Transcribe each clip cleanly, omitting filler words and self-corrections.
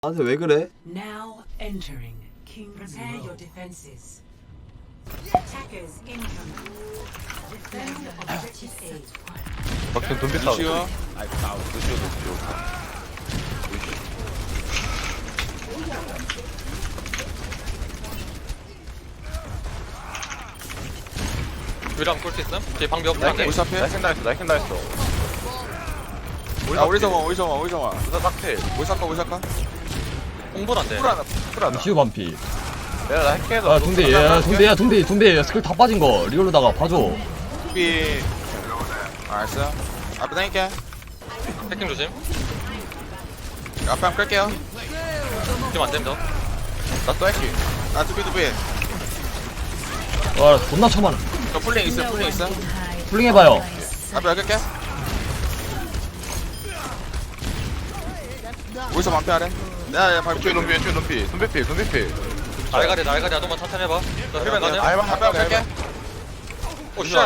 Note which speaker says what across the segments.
Speaker 1: 나한테 왜 그래?
Speaker 2: Now entering King's Prepare your defenses. Attackers incoming. Defend objective A.
Speaker 3: 막힌 돈비 싸움.
Speaker 4: 루시오.
Speaker 5: 유랑 꿀수 있음? 뒤에 방벽
Speaker 3: 나이킹
Speaker 4: 우리 앞에?
Speaker 3: 나이킹 당했어.
Speaker 4: 야 어디서 와.
Speaker 3: 누가 딱필.
Speaker 4: 오사카.
Speaker 5: 홍보는 안돼.
Speaker 3: 쿨하다.
Speaker 6: 시우 반피.
Speaker 3: 내가 나 해킹해서.
Speaker 6: 아 동대 동대 스킬 다 빠진 거 리얼로다가 봐줘.
Speaker 4: 삐. 알았어. 앞에 다닐게.
Speaker 5: 해킹 조심.
Speaker 4: 앞에 한번 끌게요.
Speaker 5: 지금 안 된다.
Speaker 3: 나또 해킹.
Speaker 4: 아 두비.
Speaker 6: 와 존나 처만.
Speaker 4: 저 풀링 있어.
Speaker 6: 풀링 해봐요.
Speaker 4: 앞에 여기 끌게. 어디서 만피하래? 내가 밟고
Speaker 3: 왼쪽에 눈피. 돈비필.
Speaker 5: 날가리 아동만 천천히 해봐. 나 힐맨 가냐?
Speaker 3: 알바
Speaker 4: 앞에 한번 끌게.
Speaker 5: 오 쉣.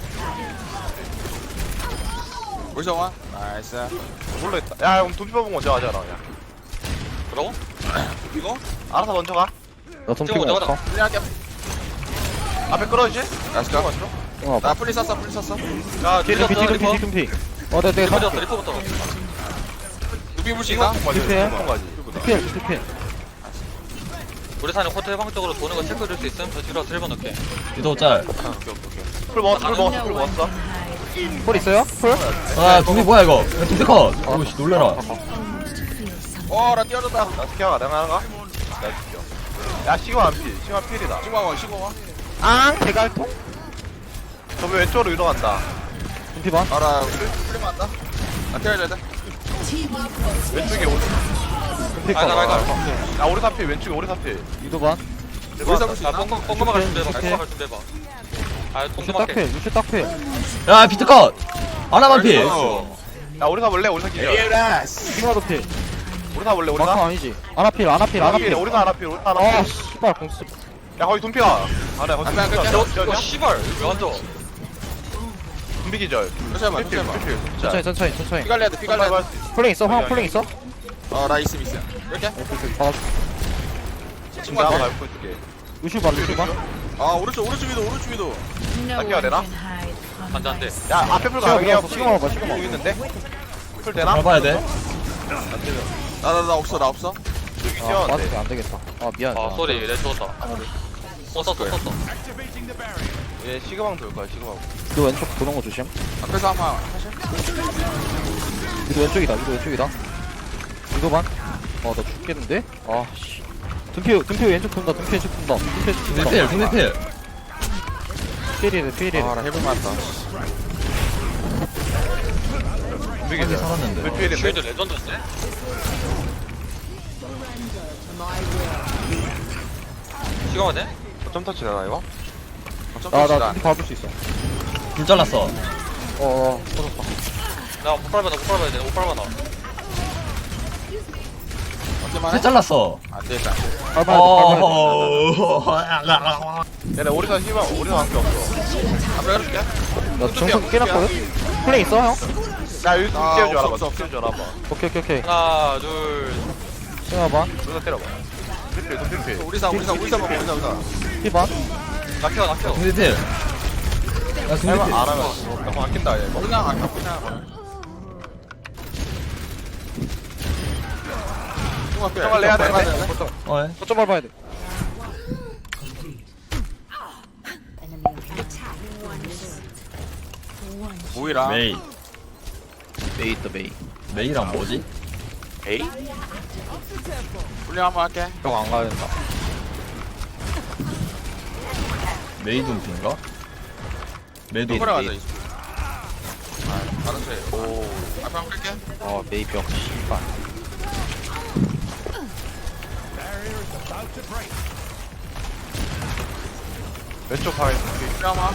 Speaker 4: 어디서 와? 나이스.
Speaker 3: 몰라있다. 야 그럼 돈비 뽑은 거 먼저 하자 그냥.
Speaker 5: 뭐라고?
Speaker 4: 이거?
Speaker 3: 알아서 먼저 가.
Speaker 6: 나
Speaker 5: 지금 먼저 가자.
Speaker 4: 풀링할게.
Speaker 3: 앞에 끌어주지?
Speaker 4: 나이스. 나 풀리 썼어.
Speaker 3: 야
Speaker 5: 뒤에 둠피.
Speaker 6: 내가
Speaker 5: 리포부터.
Speaker 4: 두비 불수 있나?
Speaker 3: 가지.
Speaker 5: 우리 사는 코트 해방 쪽으로 도는 거 체크해줄 수 있음? 저 뒤로 트레버 넣게.
Speaker 6: 유도 짤.
Speaker 3: 풀 먹었어.
Speaker 6: 풀 있어요? 풀? 아 동대 뭐야 이거? 동대 컷. 오씨 놀래라.
Speaker 4: 나 뛰어졌다.
Speaker 3: 나 스키어가 내가 하나 가? 나 스키어. 야 시그마 안 피. 시그마 필이다.
Speaker 4: 시고 와.
Speaker 3: 아 대갈통? 저기 왼쪽으로 이동한다.
Speaker 4: 알아. 풀리면 안다. 나 뛰어야 돼.
Speaker 3: 왼쪽에 오리.
Speaker 5: 알가.
Speaker 3: 야 오리 사필 왼쪽에 오리 사필.
Speaker 4: 우리 잡을 수
Speaker 5: 아
Speaker 4: 있나?
Speaker 5: 뻥뻥 갈 준비해봐. 뻥뻥 갈 준비해봐. 아 동그맣게.
Speaker 6: 야 비트 컷. 하나 반피.
Speaker 3: 야 오리 사볼래? 오리 사기죠. 오리 사볼래? 오리 사?
Speaker 7: 아니지. 아나필.
Speaker 3: 오리 사 하나필.
Speaker 7: 아, 씨발 공수.
Speaker 3: 야 거기 돈피가. 아네 거기
Speaker 4: 앞에 안 끌게.
Speaker 5: 너 씨발 왜 앉아?
Speaker 3: 돈비 기절.
Speaker 4: 잠시만.
Speaker 7: 천천히.
Speaker 4: 피갈래야 돼.
Speaker 7: 플랭 있어? 황 플랭 있어?
Speaker 4: 나 있음. 이렇게?
Speaker 3: 지금 나가 밟고 있을게.
Speaker 7: 루슈 봐.
Speaker 4: 오른쪽 위도.
Speaker 3: 닦여야 되나?
Speaker 5: 안돼.
Speaker 3: 야 앞에 풀 가야 돼.
Speaker 7: 시그마 봐.
Speaker 3: 여기 있는데? 풀 되나?
Speaker 6: 밟아야 돼.
Speaker 4: 나 없어.
Speaker 3: 여기
Speaker 7: 아,
Speaker 3: 뛰었는데.
Speaker 7: 맞으면 안 되겠다. 아, 미안.
Speaker 5: 아 쏘리 내 죽었다. 썼어.
Speaker 3: 얘 시그망 돌 거야 시그망.
Speaker 7: 너 왼쪽 도는 거 조심.
Speaker 4: 앞에서 한번 하실?
Speaker 7: 위도 왼쪽이다. 위도 반. 나 죽겠는데? 아, 씨. 둠피 왼쪽 돈다.
Speaker 6: 동대 필.
Speaker 7: 필이래.
Speaker 4: 나 해볼 만하다.
Speaker 3: 돈비
Speaker 6: 한개
Speaker 3: 기절.
Speaker 6: 살았는데.
Speaker 3: 불필인데?
Speaker 5: 쉴드 레전드인데? 시간 돼?
Speaker 3: 점 터치 되나 이거?
Speaker 7: 나 둠피 밟을 수 있어.
Speaker 6: 불 잘랐어.
Speaker 7: 터졌다.
Speaker 5: 나 못 밟아야 돼. 못 밟아.
Speaker 4: 어때만
Speaker 6: 불 잘랐어.
Speaker 4: 안 되겠다.
Speaker 7: 밟아야
Speaker 3: 얘네 오리사 시그망 오리사 한게 없어.
Speaker 4: 앞에 해줄게.
Speaker 7: 돼. 나 정석 깨놨거든? 플랭 있어, 형?
Speaker 3: 야 여기 띄워줘 알아봐.
Speaker 4: 없어.
Speaker 3: 띄워줘 알아봐.
Speaker 7: 오케이.
Speaker 5: 하나 둘.
Speaker 7: 시그마 봐.
Speaker 3: 여기서 때려봐. 돈필.
Speaker 4: 우리사 먹어.
Speaker 7: 피 봐.
Speaker 5: 낙혀.
Speaker 6: 동대 필. 야 동대
Speaker 3: 할만
Speaker 6: 필.
Speaker 3: 안 하면 너무 아낀다 얘.
Speaker 4: 그냥
Speaker 3: 정말 해야 돼.
Speaker 7: 거점 밟아야 돼.
Speaker 4: 모이라.
Speaker 6: 메이.
Speaker 7: 메이 있다, 메이.
Speaker 6: 메이랑 뭐지?
Speaker 3: 에이?
Speaker 4: 훈련 한번 할게.
Speaker 7: 형 안 가야 된다.
Speaker 6: 메이 둠피인가? 메이
Speaker 4: 그래 가자. 알았어.
Speaker 3: 오.
Speaker 4: 앞에 한번 끌게.
Speaker 7: 메이 병, 씨발.
Speaker 3: 왼쪽 바위 돈필.
Speaker 4: 훈련 한번.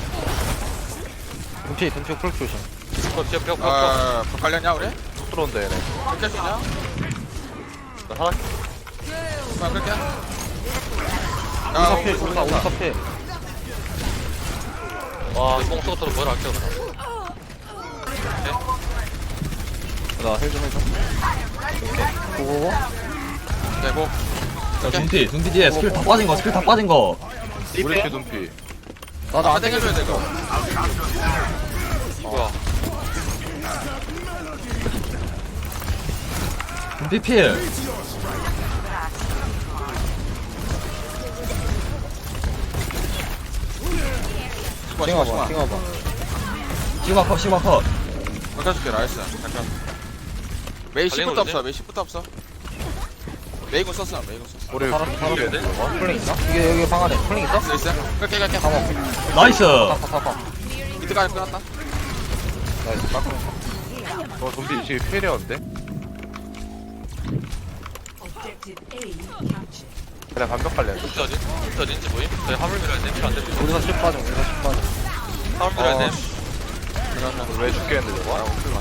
Speaker 7: 둠피 풀 조심.
Speaker 5: 벽.
Speaker 4: 갈렸냐 우리?
Speaker 3: 속 들어온다 얘네.
Speaker 4: 끌게 주냐?
Speaker 3: 나 하나
Speaker 4: 앞에 끌게.
Speaker 7: 오사필, 오사필.
Speaker 5: 와 뽕소부터 뭐라 할게요.
Speaker 7: 나 헬 좀 해줘. 고고고.
Speaker 4: 뭐
Speaker 6: 자 둠피 뒤에 스킬 다 빠진 거 스킬 다 빠진 거
Speaker 3: 우리 피 눈피.
Speaker 7: 나도
Speaker 4: 안
Speaker 7: 안
Speaker 4: 땡겨줘야 돼 이거.
Speaker 5: 뭐야?
Speaker 6: 둠피 필
Speaker 7: 띵어봐 띵어봐
Speaker 6: 시그마 컷
Speaker 4: 바꿔줄게 나이스. 잠깐. 메이 10부터 없어. 메이 10부터 없어. 메이군 썼어. 메이군 썼어.
Speaker 3: 우리
Speaker 5: 이겨야 돼?
Speaker 7: 플링 있나? 이게 여기 방 안에 플링 있어?
Speaker 4: 있어? 끌게 끌게.
Speaker 6: 나이스
Speaker 7: 타타타타
Speaker 4: 이때까지 끝났다.
Speaker 7: 나이스 깎고
Speaker 3: 눈피 지금 필이었는데?
Speaker 2: Objective A captured.
Speaker 3: 그냥 반벽 관련.
Speaker 5: 어디 어딘지 보임? 저희 화물 밀어야 돼. 필요 안 돼.
Speaker 7: 우리사 10 빠져 우리사 10 빠져
Speaker 5: 화물 밀어야 돼.
Speaker 3: 왜 죽겠는데 저거?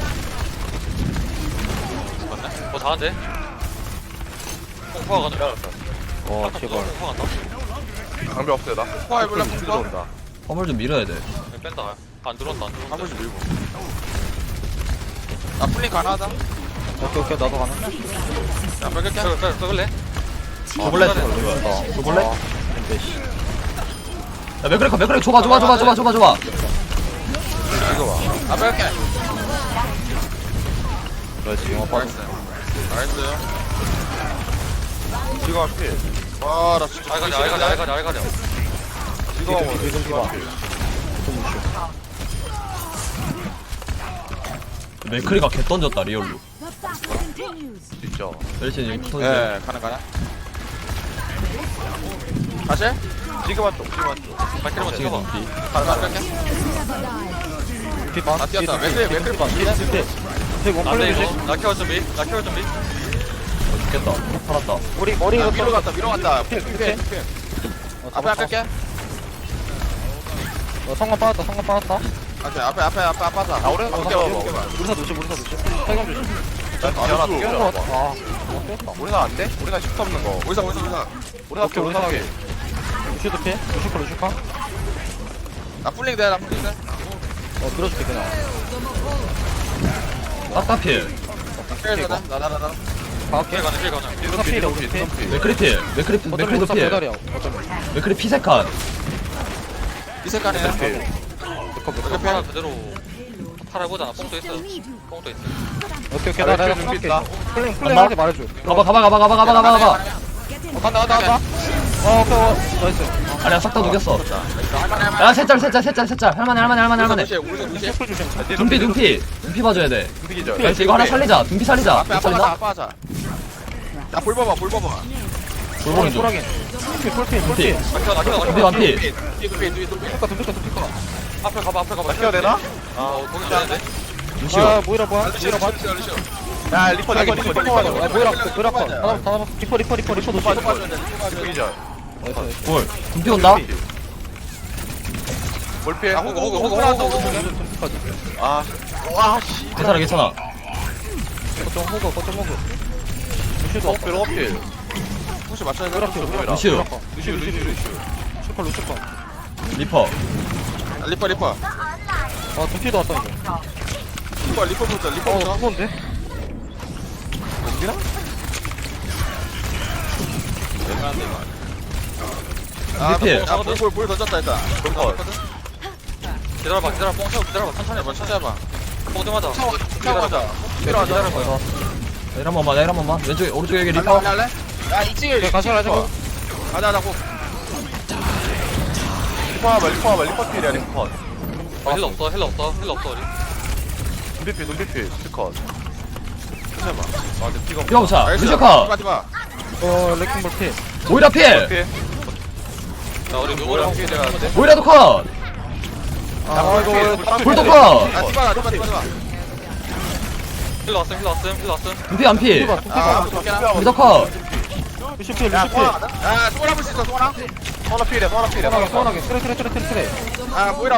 Speaker 5: 맞네? 잘한대. 콩파가 가자.
Speaker 7: 와 제발
Speaker 5: 콩파 간다.
Speaker 3: 방벽 없어요 나.
Speaker 4: 포화 해볼래?
Speaker 3: 눈피
Speaker 4: 포화?
Speaker 3: 들어온다.
Speaker 6: 화물 좀 밀어야 돼
Speaker 5: 그냥 뺀다. 안 들어온다. 안 들어온다.
Speaker 4: 한 번씩 밀고. 나 플링 가능하다.
Speaker 7: 오케이 나도 가능
Speaker 4: 야 끌게.
Speaker 5: 빼글래?
Speaker 6: 줘볼래?
Speaker 7: 어
Speaker 6: 줘볼래?
Speaker 7: 근데 씨
Speaker 6: 야 맥크레 줘봐
Speaker 4: 이거 봐. 아 끌게.
Speaker 7: 나이스 영화 빠져
Speaker 4: 나이스. 나이스.
Speaker 3: 지금 필.
Speaker 4: 와나 진짜.
Speaker 5: 알가자.
Speaker 3: 지금
Speaker 7: 미든 피봐
Speaker 6: 맥크리가 개 던졌다 리얼로
Speaker 3: 진짜.
Speaker 6: 멜신 지금 터지
Speaker 4: 예 가능. 다시?
Speaker 3: 지금 한쪽.
Speaker 5: 발키리만 찍어봐.
Speaker 4: 가능 끌게.
Speaker 7: 피봐
Speaker 4: 아, 뛰었다. 맥크리 봐.
Speaker 7: 피원
Speaker 5: 안 돼,
Speaker 7: 플레이
Speaker 5: 이거. 나 키워 준비.
Speaker 6: 죽겠다 살았다
Speaker 7: 머리
Speaker 4: 야,
Speaker 7: 이거
Speaker 4: 위로 갔다. 필. 앞에 안 끌게.
Speaker 7: 성공 빠졌다
Speaker 4: 앞에 하자.
Speaker 3: 아 오래
Speaker 4: 오케이,
Speaker 7: 우리사 조심 탈감 조심
Speaker 3: 연합 뛰어봐.
Speaker 7: 아 깼다
Speaker 3: 우리가 안 돼? 우리가 10 없는 거.
Speaker 4: 오이사.
Speaker 3: 우리가
Speaker 7: 오케이,
Speaker 3: 우리가
Speaker 7: 우리가 루시도 피해? 루시카?
Speaker 4: 나 풀링 돼.
Speaker 7: 밀어줄게 그냥
Speaker 6: 딱딱필
Speaker 4: 나.
Speaker 7: 가볼게
Speaker 5: 필 가자.
Speaker 7: 우리사 피해 우리 피해
Speaker 6: 맥크리 맥크리도 필
Speaker 7: 배달이야 어쩌면
Speaker 6: 맥크리 피세칸
Speaker 4: 이 색깔이야.
Speaker 5: 이렇게 하나 그대로 팔아보자. 뽕도 있어.
Speaker 7: 오케이
Speaker 3: 아,
Speaker 7: 내가
Speaker 3: 눈빛
Speaker 7: 할게
Speaker 3: 있다.
Speaker 7: 플링
Speaker 6: 간다?
Speaker 7: 할때 말해줘
Speaker 6: 가봐
Speaker 7: 간다 오케이 나이스
Speaker 6: 아니야 싹 다 녹였어 야 셋짤 할만해
Speaker 4: 우리
Speaker 6: 둠피 봐줘야 돼
Speaker 3: 눈피기죠.
Speaker 6: 나이스 이거 하나 살리자 둠피 살리자
Speaker 4: 앞에
Speaker 6: 못 살리나?
Speaker 4: 하자. 나볼 봐봐.
Speaker 6: 돌보는 중
Speaker 7: 소라긴 폴피
Speaker 6: 둠피 완피
Speaker 4: 뒤에.
Speaker 5: 앞에 가봐.
Speaker 3: 키워 되나?
Speaker 5: 거기 되는데?
Speaker 6: 루시오
Speaker 7: 아 모이라 뭐야?
Speaker 3: 야 리퍼
Speaker 7: 아 모이라 컷 하나 리퍼 노시
Speaker 3: 눈피기죠.
Speaker 6: 볼 둠피 온다?
Speaker 3: 뭘 피해?
Speaker 4: 호그.
Speaker 3: 아. 와 씨.
Speaker 6: 괜찮아
Speaker 7: 거점 호그 루시도 없어
Speaker 3: 별로 필.
Speaker 4: 혹시 맞춰야 돼?
Speaker 6: 루시오
Speaker 7: 루시컷
Speaker 6: 리퍼
Speaker 4: 리퍼.
Speaker 7: 아 둠피도 왔다 이거
Speaker 4: 리퍼부터.
Speaker 7: 무거운데?
Speaker 4: 볼 던졌다 일단.
Speaker 5: 기다려봐. 뽕 채워. 천천히 해봐.
Speaker 4: 찾아봐.
Speaker 5: 뽕 좀 하자.
Speaker 4: 가자.
Speaker 5: 기다려봐.
Speaker 6: 일 한 번만 왼쪽에 오른쪽에 여기 리퍼
Speaker 4: 할래? 야 이쪽에
Speaker 7: 가자
Speaker 4: 가자.
Speaker 3: 리퍼 필이야 리퍼.
Speaker 5: 힐러 없어 우리.
Speaker 3: 눈피필 스컷. 해봐. 아 근데 피가
Speaker 6: 피어부차 루시오카
Speaker 7: 레킹 볼피
Speaker 6: 모이라 필
Speaker 3: 필.
Speaker 5: 자 우리 누구랑
Speaker 3: 필 내가 안 돼.
Speaker 6: 모이라도 컷
Speaker 3: 아 이거
Speaker 6: 볼도 컷
Speaker 4: 디바.
Speaker 5: 힐러 왔음.
Speaker 6: 둠피 안피
Speaker 4: 아
Speaker 6: 우리도 컷
Speaker 7: 루시피
Speaker 3: 야
Speaker 4: 소원 한번 수 있어 소원.
Speaker 3: 서너 필이야.
Speaker 7: 소원하게 트레
Speaker 4: 아 뭐이라.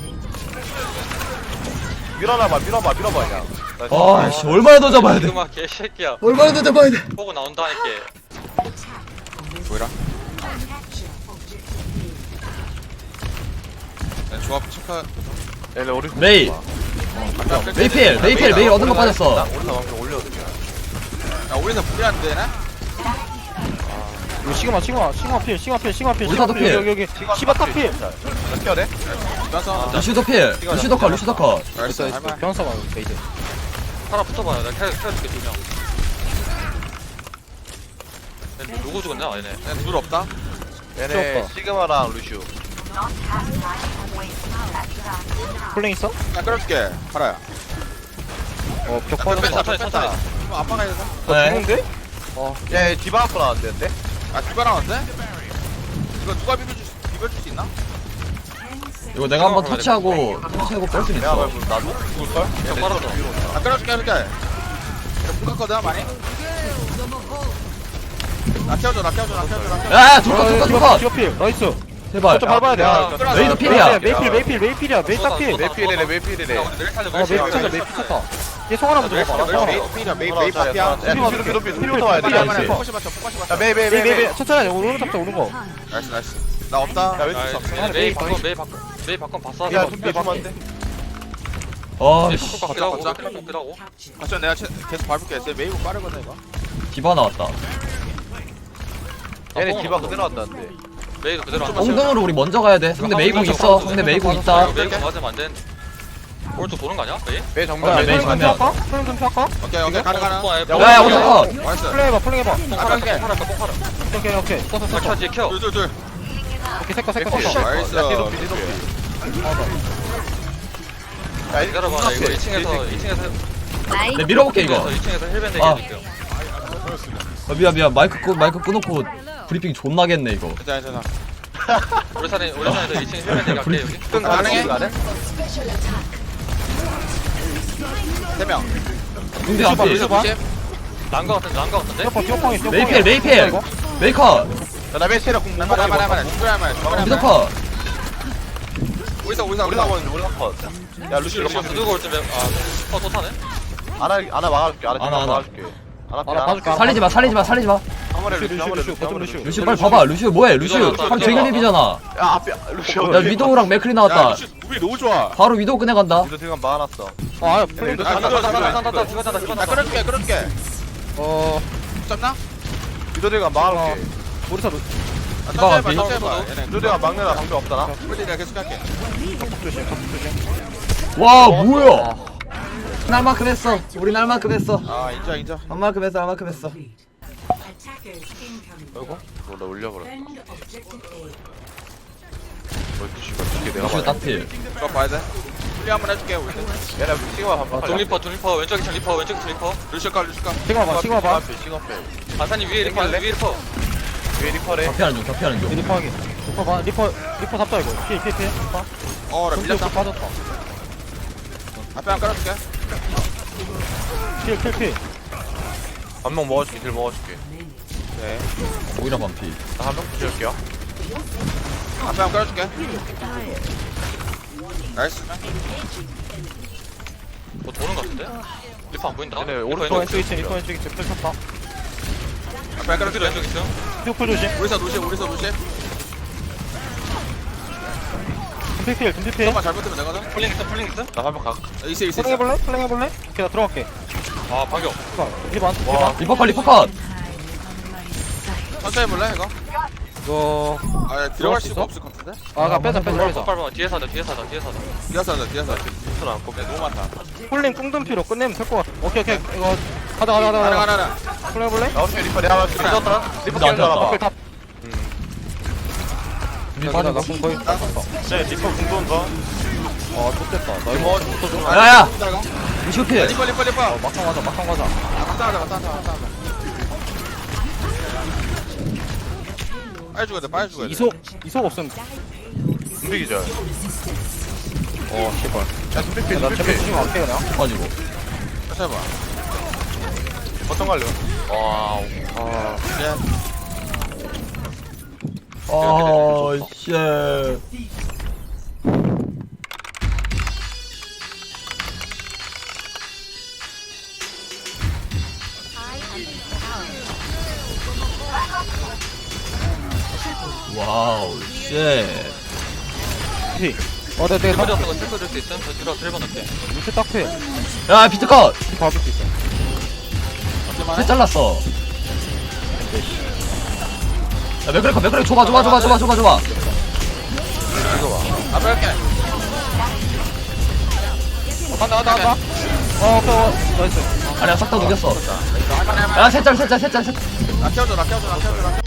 Speaker 3: 밀어봐 그냥.
Speaker 6: 아씨 얼마나 더 잡아야 돼
Speaker 5: 그만 개새끼야.
Speaker 6: 얼마나 더 잡아야 돼
Speaker 5: 보고 나온다니까.
Speaker 4: 뭐이라? 조합 체크.
Speaker 3: 얘네 우리
Speaker 6: 메이 메이 얻은 거 빠졌어
Speaker 3: 오른쪽 방금 올려도 돼.
Speaker 4: 야 우리는 불이 안 되나?
Speaker 7: 이거 시그마 필.
Speaker 6: 우리사도 필.
Speaker 7: 여기. 시바 탑 필.
Speaker 3: 몇 개야 돼?
Speaker 4: 면서
Speaker 6: 루시도 필. 루시도 컷. 루시도 컷.
Speaker 4: 나이스
Speaker 7: 있어.
Speaker 4: 할만
Speaker 7: 변사 봐 베이스.
Speaker 5: 하나 붙어봐요. 내가 캐줄게 2명. 누구 죽었냐? 얘네.
Speaker 4: 둘 없다
Speaker 3: 얘네
Speaker 7: 귀엽다.
Speaker 3: 시그마랑 루슈.
Speaker 7: 플랭 있어?
Speaker 4: 나 끌어줄게 파라야
Speaker 7: 벽
Speaker 4: 뺐다
Speaker 7: 빠졌다.
Speaker 5: 천천히,
Speaker 4: 뺐다
Speaker 5: 천천히.
Speaker 4: 이거 아빠가 해야 돼?
Speaker 6: 네.
Speaker 7: 죽는데?
Speaker 3: 얘 디바 앞으로 나왔는데?
Speaker 4: 아 디바랑 왔대? 이거 누가 비벼줄 수 있나?
Speaker 6: 이거 내가 한번 터치하고 뺄 수
Speaker 3: 내가
Speaker 6: 있어.
Speaker 3: 말고 나도? 죽을걸?
Speaker 5: 형 빨았어.
Speaker 4: 나 끌어줄게 이렇게 나 묶었거든 많이 나 태워줘
Speaker 6: 야, 둘 컷.
Speaker 7: 시바 필. 나이스.
Speaker 6: 제발.
Speaker 7: 좀 밟아야 돼.
Speaker 3: 야,
Speaker 6: 메이도 필이야.
Speaker 7: 메이필이야. 메이 딱 필.
Speaker 3: 메이필이래.
Speaker 5: 내일 살려.
Speaker 7: 메이 필이야. 메이 필 얘 송 하나 먼저 봐봐. 송 하나.
Speaker 4: 메이 파티야
Speaker 3: 야, 피부터 와야 돼.
Speaker 6: 메이,
Speaker 3: 야,
Speaker 6: 메이.
Speaker 4: 포커시 맞춰
Speaker 3: 메이.
Speaker 7: 메이 천천히 오는 잡자 오는 거.
Speaker 4: 나이스 나 없다
Speaker 3: 야, 왼쪽 잡.
Speaker 5: 메이 바꿔 봤어.
Speaker 3: 야, 둠비 주면 안 돼?
Speaker 6: 어,
Speaker 5: 메이
Speaker 6: 씨.
Speaker 5: 바꿔 깎으라고.
Speaker 4: 걷자.
Speaker 5: 깎으라고.
Speaker 2: Captured.
Speaker 4: 가천 내가 계속 밟을게 쟤 메이브 빠르거든 이거
Speaker 6: 디바 나왔다.
Speaker 3: 얘네 디바 그대로 왔다는데.
Speaker 5: 메이도 그대로 안
Speaker 6: 엉덩으로 우리 먼저 가야 돼. 상대 메이공 있어. 상대 메이공 있다.
Speaker 5: 메이도 맞으면 안 되는데. 오른쪽 도는 거 아니야? 메이?
Speaker 3: 메이
Speaker 6: 어,
Speaker 3: 정면.
Speaker 6: 메이 정면.
Speaker 7: 플랭 좀 할까?
Speaker 4: 오케이 가능
Speaker 6: 야, 야, 오른쪽 컷.
Speaker 4: 나이스
Speaker 7: 플랭 해봐.
Speaker 5: 뽕파라.
Speaker 7: 오케이.
Speaker 5: 나 켜지 켜.
Speaker 4: 둘
Speaker 7: 오케이 색깔.
Speaker 4: 나이스
Speaker 3: 야, 뒤로 피. 야,
Speaker 5: 기다려봐. 나 이거 2층에서
Speaker 6: 내 밀어볼게 이거.
Speaker 5: 2층에서 힐밴드
Speaker 6: 아.
Speaker 5: 얘기해줄게요.
Speaker 6: 미안. 마이크 끊어놓고 브리핑 존나겠네 이거.
Speaker 4: 괜찮아
Speaker 5: 우리산에서 2층 힐밴드 얘기할게 여기.
Speaker 3: 끈 가능해? 가능?
Speaker 4: 3명
Speaker 6: 근데 앞에
Speaker 5: 난거 같은데?
Speaker 7: 디오팡이
Speaker 6: 메이필. 메이커.
Speaker 3: 야, 나 메시라 공 못 먹어.
Speaker 4: 할만해
Speaker 6: 미더커.
Speaker 4: 우리사
Speaker 3: 우리가 먼저 우리가 컷. 야, 루시
Speaker 5: 루시 두고 올 때면 또 타네?
Speaker 3: 아나 막아줄게.
Speaker 6: 아나.
Speaker 3: 막아줄게. 아나
Speaker 7: 봐줄게.
Speaker 6: 살리지 마.
Speaker 3: 한 번에 루시 한 번에 루시 한 번에
Speaker 7: 루시.
Speaker 3: 루시.
Speaker 6: 루시 빨리 봐봐. 루시 뭐해? 루시 하루 종일 립이잖아.
Speaker 3: 야, 앞에 루시.
Speaker 6: 야, 위도우랑 맥클이 나왔다.
Speaker 4: 우리 너무 좋아
Speaker 6: 바로 위도우 꺼내간다.
Speaker 3: 이거 지금 막아놨어.
Speaker 7: 아
Speaker 3: 플랭
Speaker 4: 나
Speaker 5: 나
Speaker 4: 끌어줄게 잡나?
Speaker 3: 미도리가 막아놓게.
Speaker 7: 우리사
Speaker 6: 디바가
Speaker 4: 천천히
Speaker 6: 비.
Speaker 4: 해봐
Speaker 3: 미도리가 막내라 방법 없잖아.
Speaker 4: 우리 내가 계속 할게
Speaker 6: 와, 뭐야? 날만큼 했어. 우리 날만큼 했어.
Speaker 4: 아 인정
Speaker 6: 얼만큼 했어.
Speaker 2: Complete. Attackers incoming.
Speaker 3: 아이고. 나 올려버려.
Speaker 2: Defend objective A.
Speaker 3: 루시가 두개 내가
Speaker 6: 루시
Speaker 3: 봐야 돼.
Speaker 6: 딱필.
Speaker 4: 그거 봐야 돼 플리 한번 해줄게 우리
Speaker 3: 얘네 시그마 반반.
Speaker 5: 돈 리퍼 왼쪽 2층 리퍼.
Speaker 4: 루시카
Speaker 7: 시그마 봐.
Speaker 3: 시그마.
Speaker 5: 반사님 위에 리퍼
Speaker 3: 왜 리퍼래?
Speaker 6: 겹피하는 중.
Speaker 7: 리퍼하게. 리퍼 잡자 이거. 필.
Speaker 4: 어나 밀렸다
Speaker 7: 빠졌다.
Speaker 4: 앞에 한 깔아줄게
Speaker 7: 필.
Speaker 3: 한명 먹어줄게. 딜 먹어줄게. 네.
Speaker 6: 오히려 반피.
Speaker 3: 나 한 명 붙여줄게요.
Speaker 4: 앞에 한 깔아줄게 나이스
Speaker 5: 뭐 도는 거 같은데? 리퍼 안 보인다.
Speaker 3: 얘네
Speaker 5: 리퍼
Speaker 3: 오른쪽
Speaker 5: 왼쪽
Speaker 7: 왼쪽 2층. 리퍼 왼쪽 2층. 필 쳤다.
Speaker 4: 앞에 한 깔아줄게
Speaker 5: 왼쪽 2층.
Speaker 7: 디오풀 조심.
Speaker 4: 우리사 루시
Speaker 7: 둠필.
Speaker 4: 조금만 잘못되면 내거든
Speaker 5: 플링 있음?
Speaker 3: 나 한 명 가.
Speaker 4: 있어
Speaker 7: 플랭 해볼래? 오케이 나 들어갈게.
Speaker 5: 아 반격.
Speaker 7: 리반.
Speaker 6: 리퍼컷.
Speaker 4: 천천히 해볼래 이거?
Speaker 7: 이거
Speaker 4: 아 들어갈 수가 없을 것 같은데?
Speaker 7: 아가 빼자.
Speaker 5: 빨리 뒤에서 하자.
Speaker 4: 뒤에서 하자
Speaker 3: 손 안고.
Speaker 4: 너무 많다
Speaker 7: 폴링 꿍둠피로 끝내면 될 것 같아. 오케이 이거 가자.
Speaker 4: 가라
Speaker 7: 플랭 해볼래?
Speaker 3: 나 어차피 리퍼 내가 맞을게. 리퍼
Speaker 6: 안
Speaker 3: 깨는 줄 알아봐.
Speaker 6: 졌다.
Speaker 7: 나 거의 다 썼어.
Speaker 3: 네, 리퍼 궁도는 거.
Speaker 7: 아 좋겠다. 나 이거
Speaker 3: 뭐,
Speaker 6: 야야. 루시 필.
Speaker 4: 리퍼
Speaker 7: 막상 가자.
Speaker 4: 맞다 빨리 죽어야 돼
Speaker 7: 이속 없으면
Speaker 3: 둠비기죠.
Speaker 7: 제발.
Speaker 3: 야, 둠비피,
Speaker 7: 나 제발
Speaker 3: 둠비피.
Speaker 7: 주시면 안 돼요 그냥.
Speaker 6: 가지고.
Speaker 4: 천천히 해봐
Speaker 3: 어떤 걸로? 와우.
Speaker 6: 쉣. 와우, 쉣.
Speaker 7: 피. 내가
Speaker 5: 리퍼
Speaker 7: 다
Speaker 5: 잡는 거 체크해줄 수 있음? 저 뒤로 힐밴 넣게.
Speaker 7: 루트 딱 피.
Speaker 6: 야, 비트컷.
Speaker 7: 밟을 수 있어.
Speaker 6: 셋 잘랐어. 야 맥크리 줘봐.
Speaker 4: 이거 봐 앞에 할게
Speaker 7: 간다. 나이스.
Speaker 6: 아니야 싹 다 녹였어.
Speaker 4: 이거 할만해
Speaker 6: 야 셋짤.
Speaker 4: 나 키워줘